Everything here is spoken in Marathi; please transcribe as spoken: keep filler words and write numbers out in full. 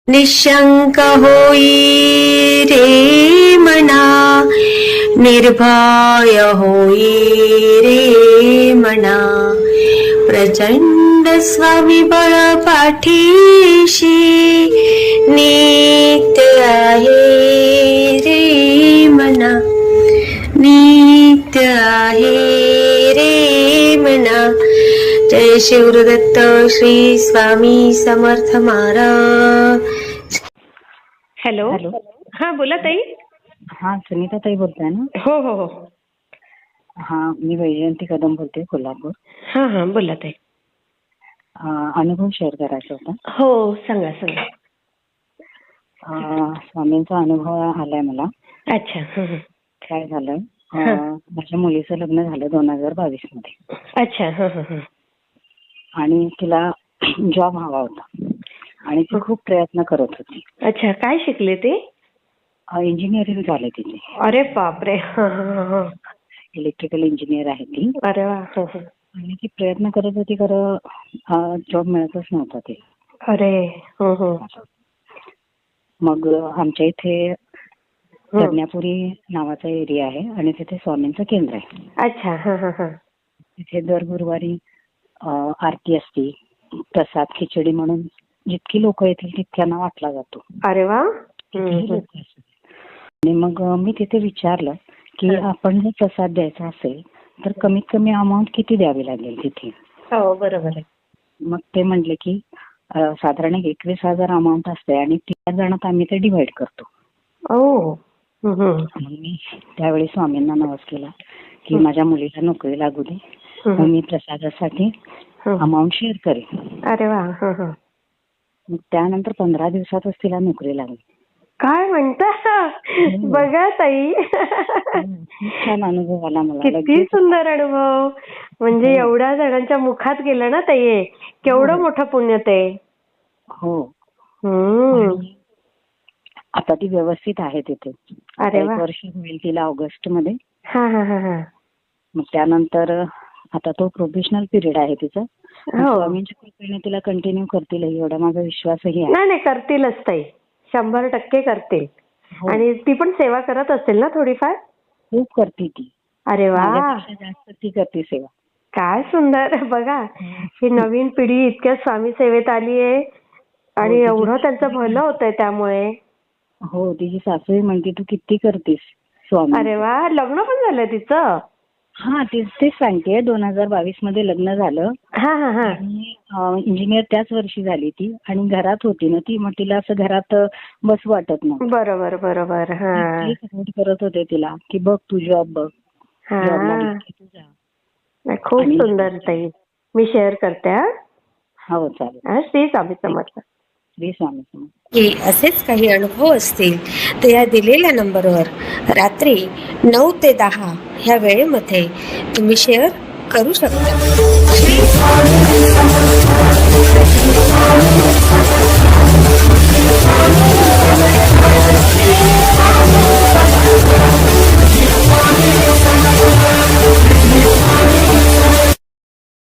निशंक होई रे मना, निर्भय होई रे मना, प्रचंड स्वामीबळ पाठीशी नित्य आहे रे मना, नित्य आहे रे मना. जय शिवदत्त श्री स्वामी समर्थ महाराज. Hello hello. हा बोला ताई. हा सुनीता ताई बोलताय ना? हो हो हो. हा मी वैजयंती कदम बोलते, कोल्हापूर. हा हा बोला ताई. अं, अनुभव शेअर करायचा होता. हो सांगा सांगा. अं, स्वामींचा अनुभव आलाय मला. अच्छा. हं, हं. काय झालं, अं, माझ्या मुलीचं लग्न झालं दोन हजार बावीस मध्ये. अच्छा. हं, हं, हं. आणि तिला जॉब हवा होता आणि ती खूप प्रयत्न करत होती. अच्छा. काय शिकले ते? इंजिनिअरिंग झाले तिथे. अरे बापरे. हं, हं, हं. इलेक्ट्रिकल इंजिनियर आहे ती. अरे वा. हं, हं. आणि ती प्रयत्न करत होती, खरं जॉब मिळतच नव्हता ते. अरे. हं, हं. मग आमच्या इथे प्रज्ञापुरी नावाचा एरिया आहे आणि तिथे स्वामींचं केंद्र आहे. अच्छा. हं, हं, हं. तिथे दर गुरुवारी आरती असते, प्रसाद खिचडी म्हणून जितकी लोक येतील तितक्यांना वाटला जातो. अरे वा. आणि मग मी तिथे विचारलं की आपण जर प्रसाद द्यायचा असेल तर कमीत कमी अमाऊंट किती द्यावी लागेल तिथे. हो बरोबर आहे. मग ते म्हणले की साधारण एकवीस हजार अमाऊंट असते आणि तीन जणात आम्ही ते डिवाइड करतो. ओ. मग मी त्यावेळी स्वामींना नवस केला की माझ्या मुलीला नोकरी लागू दे, मग मी प्रसादासाठी अमाऊंट शेअर करेन. अरे वा. मग त्यानंतर पंधरा दिवसातच तिला नोकरी लागली. काय म्हणता. बघा ताई. खूप छान अनुभव आला मला. किती सुंदर अनुभव. म्हणजे एवढ्या जणांच्या मुखात गेलं ना ताई, केवढं मोठं पुण्य ते. हो. आता ती व्यवस्थित आहे तिथे. अरे एक वा. वर्ष होईल तिला ऑगस्ट मध्ये. हा हा हा हा. मग त्यानंतर आता तो प्रोफेशनल पिरियड आहे तिचा. स्वामींच्या कृपेने तिला कंटिन्यू करतील एवढा माझा विश्वासही आहे. नाही नाही करतीलच ताई, शंभर टक्के करतील. आणि ती पण सेवा करत असेल ना थोडीफार? खूप करते ती. अरे वा. जास्त ती करते सेवा. काय सुंदर. बघा ही नवीन पिढी इतक्या स्वामी सेवेत आली आहे आणि एवढं त्यांचं भलं होतंय त्यामुळे. हो. तिची सासूही म्हणते तू किती करतेस स्वामी. अरे वा. लग्न पण झालं तिचं? हा तेच तेच सांगते. दोन हजार बावीस मध्ये लग्न झालं. हा हा हा. इंजिनियर त्याच वर्षी झाली ती आणि घरात होती ना ती, मग तिला असं घरात बस वाटत नव्हतं. बरोबर बरोबर. हा. सपोर्ट करत होते तिला की बघ तू जॉब बघ. खूप सुंदर ताई. मी शेअर करते. हो चालेल. श्री स्वामी समर्थ. श्री स्वामी समर्थ. की असेच काही अनुभव असतील तर या दिलेल्या नंबरवर रात्री नऊ ते दहा ह्या वेळेमध्ये तुम्ही शेअर करू शकता.